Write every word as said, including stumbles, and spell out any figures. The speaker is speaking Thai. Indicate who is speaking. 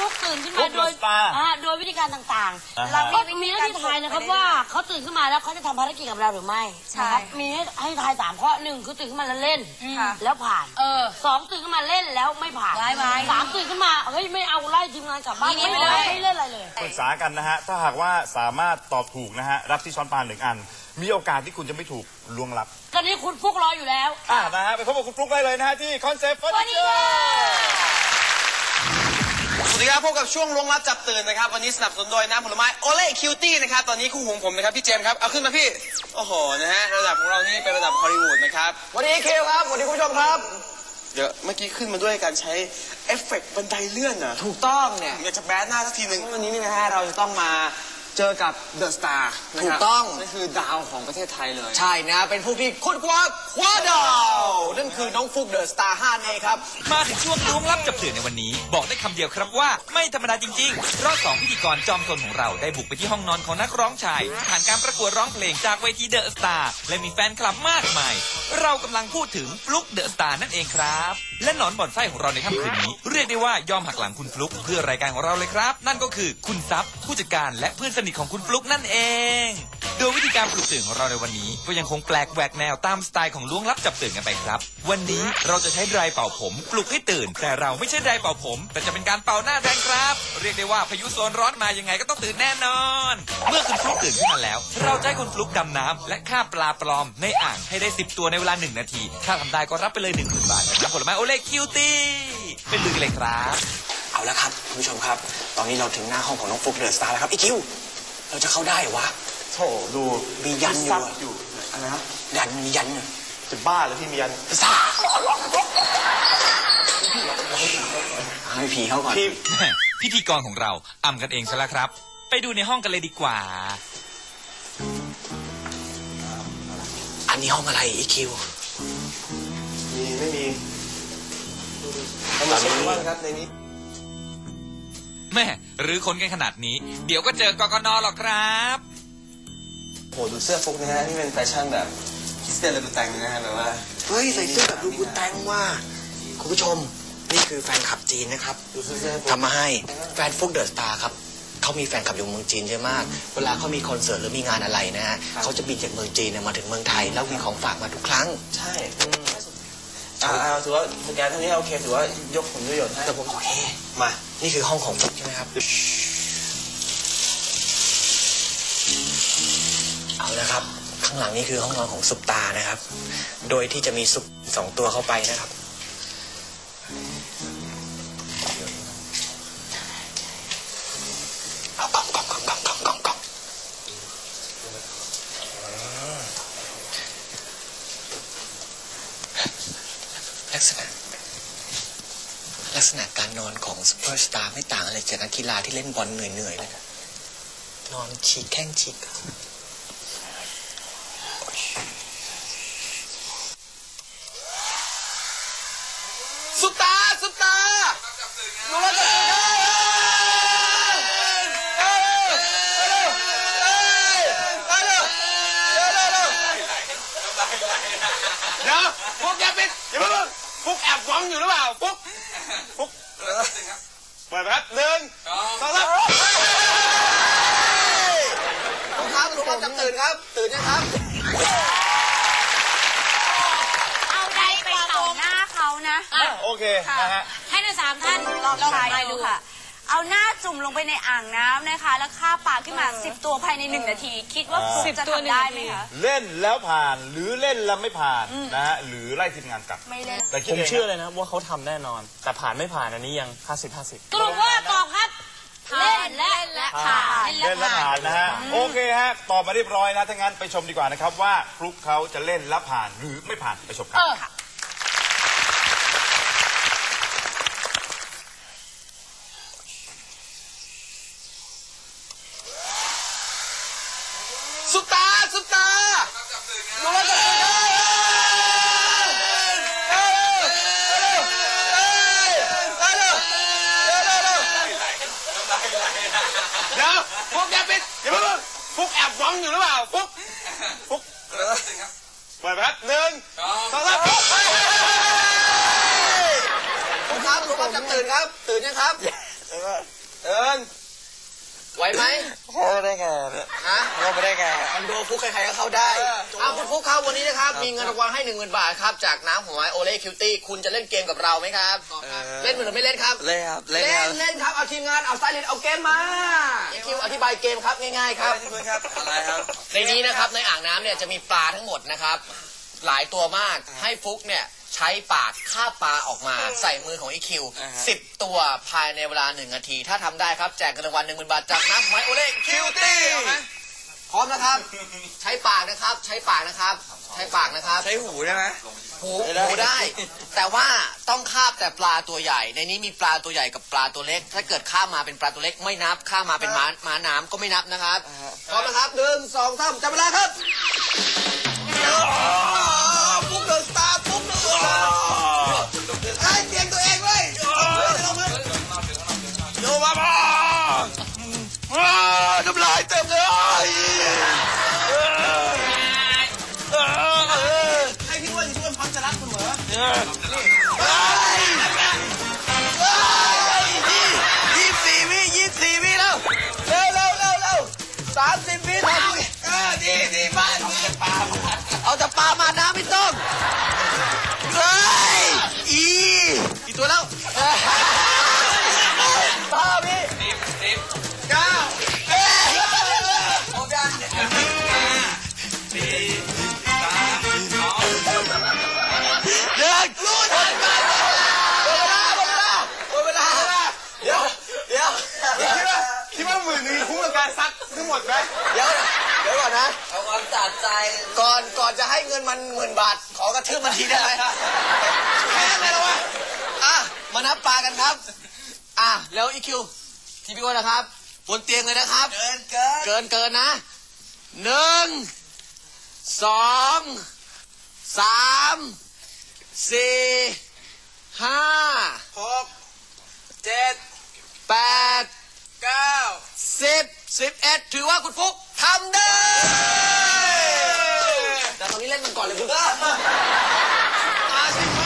Speaker 1: ฟุกตื่นขึ้นมาโดยโดยวิธีการต่างๆเราก็มีหน้าที่ทายนะครับว่าเขาตื่นขึ้นมาแล้วเขาจะทำภารกิจกับเราหรือไม่นะครับมีให้ทายสามข้อหนึ่งคือตื่นขึ้นมาแล้วเล่นแล้วผ่านสองตื่นขึ้นมาเล่นแล้วไม่ผ่านสามตื่นขึ้นมาเฮ้ยไม่เอาไล่ทีมงานกลับบ้านไม่เล่นไม่เล่นอะไรเลย
Speaker 2: ปรึกษากันนะฮะถ้าหากว่าสามารถตอบถูกนะฮะรับที่ช้อนปลาหนึ่งอันมีโอกาสที่คุณจะไม่ถูกล่วงลับ
Speaker 1: ตอนนี้คุณฟุกรออยู่แล้ว
Speaker 2: อ่านะฮะไปพบกับคุณฟุกได้เลยนะฮะที่คอนเซ็ปต์เฟอร์นิเจอร์
Speaker 3: สวัสดีครับพบกับช่วงล่วงลับจับตื่นนะครับวันนี้สนับสนุนโดยน้ำผลไม้โอเล่คิวตี้นะครับตอนนี้คู่หูผมนะครับพี่เจมส์ครับเอาขึ้นมาพี่โอ้โหนะฮะระดับของเรานี่เป็นระดับฮอลลีวูดนะครับวันนี้เคลครับวันนี้คุณผู้ชมครับเดี๋ยวเมื่อกี้ขึ้นมาด้วยการใช้เอฟเฟกต์บันไดเลื่อนนะถูกต้องเนี่ยอยากจะแบดหน้าสักทีหนึ่งวันนี้นี่นะฮะเราจะต้องมาเจอกับเดอะสตาร์ถูกต้องนั่นคือดาวของประเทศไทยเลยใช่นะเป็นผู้ที่ค้นคว้าคว้าดาวนั่นคือน้องฟุกเดอะสตาร์ห้าเองครับ
Speaker 4: มาถึงช่วงล้วงลับจับตื่นในวันนี้บอกได้คำเดียวครับว่าไม่ธรรมดาจริงๆเพราะสองพิธีกรจอมซนของเราได้บุกไปที่ห้องนอนของนักร้องชายผ่านการประกวดร้องเพลงจากเวทีเดอะสตาร์และมีแฟนคลับมากมายเรากำลังพูดถึงฟลุกเดอะสตาร์นั่นเองครับและหนอนบ่อนไส้ของเราในค่ำคืนนี้เรียกได้ว่ายอมหักหลังคุณฟลุกเพื่อรายการของเราเลยครับนั่นก็คือคุณซับผู้จัดการและเพื่อนสนิทของคุณฟลุกนั่นเองโดยวิธีการปลุกตื่นของเราในวันนี้ก็ยังคงแปลกแหวกแนวตามสไตล์ของล้วงลับจับตื่นกันไปครับวันนี้เราจะใช้ไดร์เป่าผมปลุกให้ตื่นแต่เราไม่ใช่ไดร์เป่าผมแต่จะเป็นการเป่าหน้าแทนครับเรียกได้ว่าพายุโซนร้อนมายังไงก็ต้องตื่นแน่นอนเมื่อคุณฟลุกตื่นขึ้นมาแล้วเราจะให้คุณฟลุกดำน้ำและฆ่าปลาปลอมในอ่างให้ได้สิบตัวในเวลาหนึ่งนาทีถ้าทำได้ก็รับไปเลยหนึ่งหมื่นบาทจากผลไม้โอเล่คิวตี้เป็นลือกันเลยครับ
Speaker 3: เอาละครับคุณผู้ชมครับตอนนี้เราถึงหน้าห้องของน้องฟุกเดอะสตาร์แล้วครับอีคิวเราจะเข้าได้หรอวะโธ่ดูมียันอยู่อยู่อะไรนะยันมียันจะบ้าหรือที่มียันซ่าให้ผีเขาก่อน
Speaker 4: พิธีกรของเราอำกันเองซะแล้วครับไปดูในห้องกันเลยดีกว่า
Speaker 3: อันนี้ห้องอะไรอีคิว
Speaker 2: มีไม่มี
Speaker 3: เอามาเช็คว่าครับในนี้
Speaker 4: แม่หรือคนกันขนาดนี้เดี๋ยวก็เจอกกน.หรอกครับ
Speaker 3: โหดูเสื้อฟุกนะฮะนี่เป็นแฟชั่นแบบคริสเตียนเลบูแตงนะฮะแบบว่าเฮ้ยใส่เสื้อแบบลูบูแตงว่าคุณผู้ชมนี่คือแฟนคลับจีนนะครับทำมาให้แฟนฟุกเดอะสตาร์ครับเขามีแฟนคลับอยู่เมืองจีนเยอะมากเวลาเขามีคอนเสิร์ตหรือมีงานอะไรนะฮะเขาจะบินจากเมืองจีนมาถึงเมืองไทยแล้วมีของฝากมาทุกครั้งใช่อ่าถือว่าสแกนเท่านี้โอเคถือว่ายกผลประโยชน์ให้แต่ผมโอเคมานี่คือห้องของฟุกใช่ไหมครับเอาละครับข้างหลังนี่คือห้องนอนของซุปตานะครับโดยที่จะมีซุปสองตัวเข้าไปนะครับเอากล่องกล่องกล่องกล่องกล่องกล่องกล่องลักษณะลักษณะการนอนของซุปเปอร์สตาร์ไม่ต่างอะไรจากนักกีฬาที่เล่นบอลเหนื่อยๆเลยนะนอนฉีกแข้งฉีกซุปตาซุปตาหนูจะตื่นเดี๋ยวฟุกอย่าปิดอย่าเพิ่งฟุกแอบหวังอยู่หรือเปล่าฟุกฟุกเปิดครับหนึ่งสองสามฟุกครับหนูจะตื่นครับตื่นยังครับ
Speaker 1: เอาได้ไปต่อหน้าเขานะ
Speaker 2: โอเคนะฮะ
Speaker 1: ให้ทั้งสามท่านลองทายดูค่ะเอาหน้าจุ่มลงไปในอ่างน้ำนะคะแล้วฆ่าปลาขึ้นมาสิบตัวภายในหนึ่งนาทีคิดว่าฟุกจะทำได้ไหมคะ
Speaker 2: เล่นแล้วผ่านหรือเล่นแล้วไม่ผ่านนะฮะหรือไล่ทีมงานกลับ
Speaker 1: ไม่เล่น
Speaker 5: แต่ผมเชื่อเลยนะว่าเขาทำแน่นอนแต่ผ่านไม่ผ่านอันนี้ยังห้าสิบห้าสิบ
Speaker 1: สรุปว่าตอบครับเล่นและและผ่าน
Speaker 2: เล่นและผ่านนะฮะโอเคฮะตอบมาเรียบร้อยนะถ้างั้นไปชมดีกว่านะครับว่าฟลุกเขาจะเล่นและผ่านหรือไม่ผ่านไปชมครับ
Speaker 3: ซุปตาซุปตาหนูจะตื่นเดี๋ยวฟุกอย่าปิดอย่าเพิ่งฟุกแอบหวังอยู่หรือเปล่าฟุกฟุกเปิดครับหนึ่งสองสามฟุกครับหนูจะตื่นครับตื่นยังครับเอิญไหวไหม
Speaker 5: เข้าได้ไง
Speaker 3: ฮะ
Speaker 5: เข้าไม่ได้ไง
Speaker 3: คอนโดฟุกใครๆก็เข้าได้อ้าวคุณฟุกครับวันนี้นะครับมีเงินรางวัลให้หนึ่งหมื่นบาทครับจากน้ำผลไม้โอเล่คิวตี้คุณจะเล่นเกมกับเราไหมครับเล่นหรือไม่เล่นครับ
Speaker 5: เล่นครับ
Speaker 3: เล่นเล่นครับเอาทีมงานเอาสไตลิสต์เอาเกมมาคิวอธิบายเกมครับง่ายๆครับ
Speaker 5: อะไรครับ
Speaker 3: ในนี้นะครับในอ่างน้ำเนี่ยจะมีปลาทั้งหมดนะครับหลายตัวมากให้ฟุกเนี่ยใช้ปากคาบปลาออกมาใส่มือของอีคิวสิบตัวภายในเวลาหนึ่งนาทีถ้าทำได้ครับแจกเงินรางวัลหนึ่งหมื่นบาทจากน้ำผลไม้โอเล่คิวตี้พร้อมนะครับใช้ปากนะครับใช้ปากนะครับใช้ปากนะครับ
Speaker 5: ใช้หูได้ไหม
Speaker 3: หูหูได้ แต่ว่าต้องคาบแต่ปลาตัวใหญ่ในนี้มีปลาตัวใหญ่กับปลาตัวเล็กถ้าเกิดข้ามมาเป็นปลาตัวเล็กไม่นับข้ามมาเป็นม้าม้าน้ำก็ไม่นับนะครับพร้อมนะครับหนึ่งสองสามจับเวลาครับปุ๊บเดินสตาร์ปุ๊บเดินสตาร์ไอ้เตรียมตัวเองเลยโยมาบ้าน้ำลายเต็มเลยให้พี่อ้วนพี่อ้วนพร้อมจะรักคุณเหรอยี่สิบสี่วิยี่สิบสี่วิแล้วเร็วเร็วเร็วเร็วสามสิบวิทำเออดีดีมากเอาแต่ปลามาน้ำไม่ต้องเฮ้ยอีกี่ตัวแล้วห้าวิสิบเก้าเอ๊ะโอเคสี่สามสองหนึ่งรู้ทันกันหมดเวลาหมดเวลาหมดเวลาเดี๋ยวเดี๋ยวคิดว่าคิดว่าหมื่นหนึ่งคุ้มกับการซักทั้งหมดไหมเดี๋ยวเดี๋ยวก่อนนะเอาความสะใจก่อนก่อนจะให้เงินมันหมื่นบาทขอกระทืบมันทีได้ไหมแค่ไหนแล้ววะอ่ะมานับปลากันครับอ่ะแล้วอีคิวทีพี่อ้วนนะครับบนเตียงเลยนะครับเกินเกินเกินเกินนะหนึ่งสองสามสี่ห้าหกเจ็ดแปดเก้าสิบสิบเอ็ดถือว่าคุณฟุกทำได้แต่ตอนนี้เล่นมันก่อนเลยคุณอาชิ